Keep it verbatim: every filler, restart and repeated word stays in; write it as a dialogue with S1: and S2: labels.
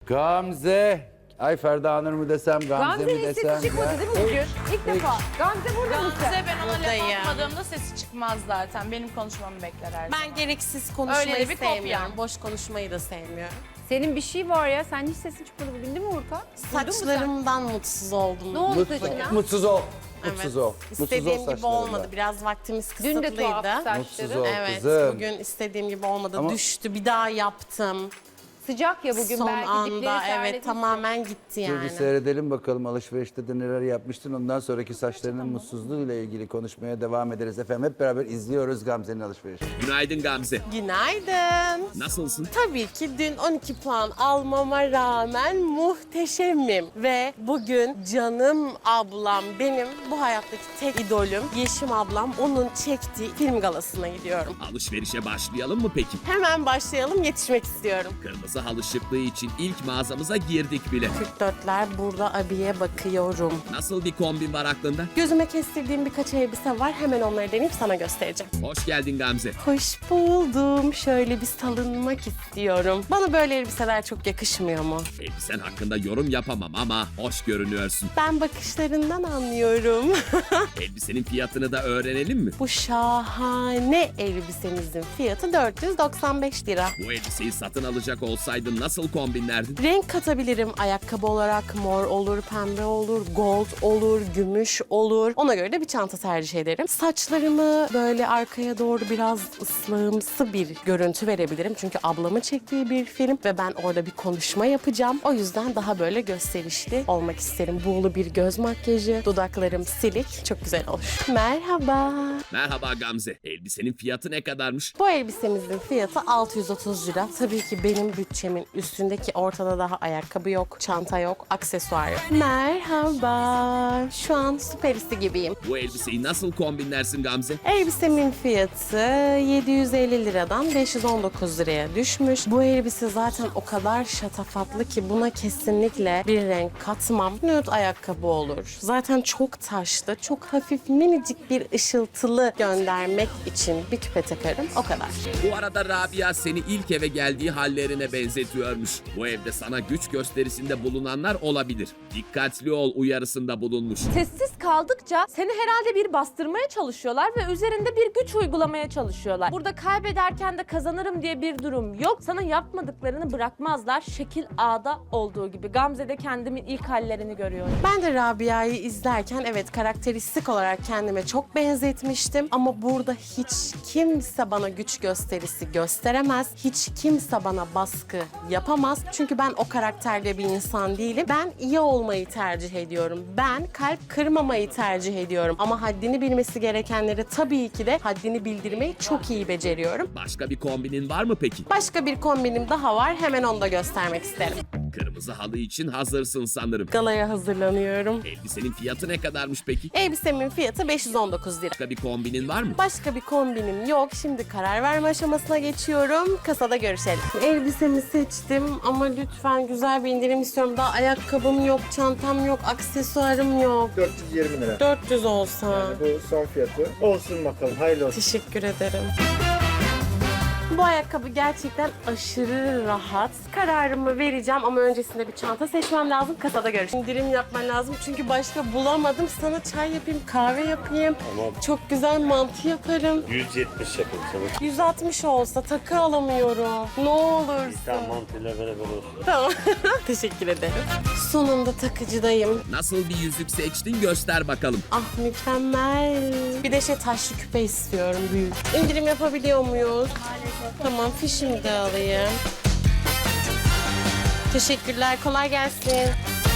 S1: Gamze. Ay Ferda Nur mu desem, Gamze mi
S2: Gamze'nin
S1: desem?
S2: sesi çıkmadı değil mi bugün? İlk defa. Gamze burada mısın?
S3: Gamze ben ona
S4: Buradayım.
S3: laf atmadığımda sesi çıkmaz zaten. Benim konuşmamı bekler her zaman.
S4: Ben gereksiz konuşmayı
S3: Öyle de bir kopya.
S4: sevmiyorum. Boş konuşmayı da sevmiyorum.
S2: Senin bir şey var ya. Sen hiç sesin çıkmadı bugün değil mi Urka? Duydun mu sen?
S4: Saçlarımdan mutsuz oldum.
S2: Ne oldu
S1: Mutlu,
S2: saçına?
S1: mutsuz ol.
S4: Evet.
S1: Mutsuz ol. Mutsuz ol
S4: İstediğim gibi
S1: saçlarında.
S4: olmadı. Biraz vaktimiz
S2: Dün de
S4: kısıtlıydı.
S2: tuhaf
S1: Mutsuz
S2: saçları.
S1: ol
S4: Evet,
S1: kızım.
S4: bugün istediğim gibi olmadı.
S1: Ama-
S4: Düştü, bir daha yaptım.
S2: Sıcak ya bugün
S4: Son
S2: belki
S4: anda
S2: dipleri
S4: evet
S2: terletmiş.
S4: tamamen gitti
S1: Dur
S4: yani.
S1: bir seyredelim bakalım alışverişte de neler yapmıştın. Ondan sonraki saçlarının mutsuzluğuyla ilgili konuşmaya devam ederiz efendim. Hep beraber izliyoruz Gamze'nin alışverişini.
S5: Günaydın Gamze.
S4: Günaydın.
S5: Nasılsın?
S4: Tabii ki dün on iki puan almama rağmen muhteşemim. Ve bugün canım ablam benim bu hayattaki tek idolüm. Yeşim ablam, onun çektiği film galasına gidiyorum.
S5: Alışverişe başlayalım mı peki?
S4: Hemen başlayalım, yetişmek istiyorum.
S5: Kırmızı halı şıklığı için ilk mağazamıza girdik bile.
S4: kırk dörtler burada abiye bakıyorum.
S5: Nasıl bir kombin var aklında?
S4: Gözüme kestirdiğim birkaç elbise var. Hemen onları deneyip sana göstereceğim.
S5: Hoş geldin Gamze.
S4: Hoş buldum. Şöyle bir salınmak istiyorum. Bana böyle elbiseler çok yakışmıyor mu?
S5: Elbisen hakkında yorum yapamam ama hoş görünüyorsun.
S4: Ben bakışlarından anlıyorum.
S5: Elbisenin fiyatını da öğrenelim mi?
S4: Bu şahane elbisemizin fiyatı dört yüz doksan beş lira.
S5: Bu elbiseyi satın alacak olsaydın nasıl kombinlerdin?
S4: Renk katabilirim. Ayakkabı olarak mor olur, pembe olur, gold olur, gümüş olur. Ona göre de bir çanta tercih ederim. Saçlarımı böyle arkaya doğru biraz ıslahımsı bir görüntü verebilirim. Çünkü ablamın çektiği bir film ve ben orada bir konuşma yapacağım. O yüzden daha böyle gösterişli olmak isterim. Buğulu bir göz makyajı, dudaklarım silik. Çok güzel olur. Merhaba.
S5: Merhaba Gamze. Elbisenin fiyatı ne kadarmış?
S4: Bu elbisemizin fiyatı altı yüz otuz lira. Tabii ki benim bütçemin üstündeki, ortada daha ayakkabı yok, çanta yok, aksesuar yok. Merhaba. Şu an süperisti gibiyim.
S5: Bu elbiseyi nasıl kombinlersin Gamze?
S4: Elbisemin fiyatı yedi yüz elli liradan beş yüz on dokuz liraya düşmüş. Bu elbise zaten o kadar şatafatlı ki buna kesinlikle bir renk katmam. Nude ayakkabı olur. Zaten çok taşlı, çok hafif minicik bir ışıltılı göndermek için bir küpe takarım. O kadar.
S5: Bu arada Rabia seni ilk eve geldiği hallerine benzetiyormuş. Bu evde sana güç gösterisinde bulunanlar olabilir. Dikkatli ol uyarısında bulunmuş.
S6: Sessiz kaldıkça seni herhalde bir bastırmaya çalışıyorlar ve üzerinde bir güç uygulamaya çalışıyorlar. Burada kaybederken de kazanırım diye bir durum yok. Sana yapmadıklarını bırakmazlar. Şekil A'da olduğu gibi. Gamze'de kendimin ilk hallerini görüyorum.
S4: Ben de Rabia'yı izlerken evet karakteristik olarak kendime çok benzetmiştim. Ama burada hiç kimse bana güç gösterisi gösteremez. Hiç kimse bana baskı yapamaz. Çünkü ben o karakterde bir insan değilim. Ben iyi olmayı tercih ediyorum. Ben kalp kırmamayı tercih ediyorum. Ama haddini bilmesi gerekenlere tabii ki de haddini bildirmeyi çok iyi beceriyorum.
S5: Başka bir kombinin var mı peki?
S4: Başka bir kombinim daha var. Hemen onu da göstermek isterim.
S5: Kırmızı halı için hazırsın sanırım.
S4: Galaya hazırlanıyorum.
S5: Elbisenin fiyatı ne kadarmış peki?
S4: Elbisemin fiyatı beş yüz on dokuz lira.
S5: Başka bir kombinin var mı?
S4: Başka bir kombinim yok. Şimdi karar verme aşamasına geçiyorum. Kasada görüşelim. Elbisemi seçtim ama lütfen güzel bir indirim istiyorum. Daha ayakkabım yok, çantam yok, aksesuarım yok.
S7: dört yüz yirmi lira.
S4: dört yüz olsa.
S7: Bu son fiyatı. Olsun bakalım. Hayırlı olsun.
S4: Teşekkür ederim. Bu ayakkabı gerçekten aşırı rahat. Kararımı vereceğim ama öncesinde bir çanta seçmem lazım. Kasada görüşelim. İndirim yapman lazım çünkü başka bulamadım. Sana çay yapayım, kahve yapayım.
S7: Tamam.
S4: Çok güzel mantı yaparım.
S7: yüz yetmiş yapayım sana.
S4: yüz altmış olsa takı alamıyorum. Ne olursun.
S7: Tamam mantıyla beraber olsun.
S4: Tamam. Teşekkür ederim. Sonunda takıcıdayım.
S5: Nasıl bir yüzük seçtin göster bakalım.
S4: Ah mükemmel. Bir de şey taşlı küpe istiyorum büyük. İndirim yapabiliyor muyuz? Tamam fişimi de alayım. Teşekkürler. Kolay gelsin.